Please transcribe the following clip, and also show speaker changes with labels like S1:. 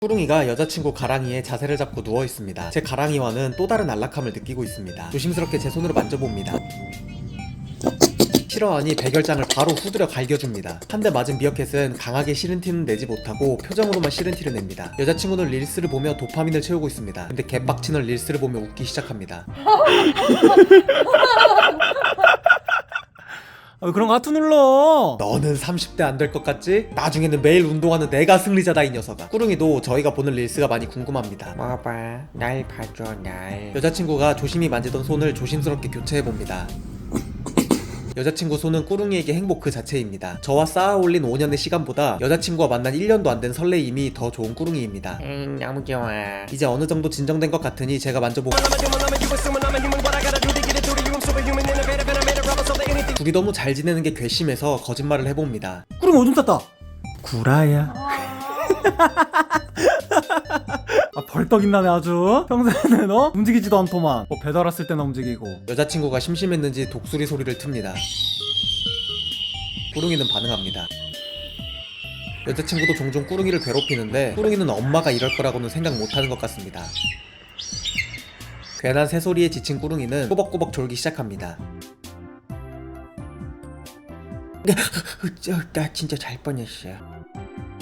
S1: 꾸룽이가 여자친구 가랑이에 자세를 잡고 누워있습니다. 제 가랑이와는 또 다른 안락함을 느끼고 있습니다. 조심스럽게 제 손으로 만져봅니다. 싫어하니 백열장을 바로 후드려 갈겨줍니다. 한 대 맞은 미어캣은 강하게 싫은 티는 내지 못하고 표정으로만 싫은 티를 냅니다. 여자친구는 릴스를 보며 도파민을 채우고 있습니다. 근데 개빡치는 릴스를 보며 웃기 시작합니다.
S2: 왜 그런 거 하트 눌러?
S1: 너는 30대 안 될 것 같지? 나중에는 매일 운동하는 내가 승리자다 이 녀석아. 꾸룽이도 저희가 보는 릴스가 많이 궁금합니다.
S3: 봐봐, 날 봐줘, 날.
S1: 여자친구가 조심히 만지던 손을 조심스럽게 교체해봅니다. 여자친구 손은 꾸룽이에게 행복 그 자체입니다. 저와 쌓아올린 5년의 시간보다 여자친구와 만난 1년도 안 된 설레임이 더 좋은 꾸룽이입니다.
S3: 너무 좋아.
S1: 이제 어느 정도 진정된 것 같으니 제가 만져보고 둘이 너무 잘 지내는 게 괘씸해서 거짓말을 해봅니다.
S2: 꾸릉 오줌 쌌다. 구라야. 아 벌떡 있나네 아주. 평소에는 움직이지도 않더만. 배달 왔을 때는 움직이고.
S1: 여자친구가 심심했는지 독수리 소리를 틉니다. 꾸룽이는 반응합니다. 여자친구도 종종 꾸룽이를 괴롭히는데 꾸룽이는 엄마가 이럴 거라고는 생각 못하는 것 같습니다. 괜한 새소리에 지친 꾸룽이는 꾸벅꾸벅 졸기 시작합니다.
S3: 나 진짜 잘 뻔했어.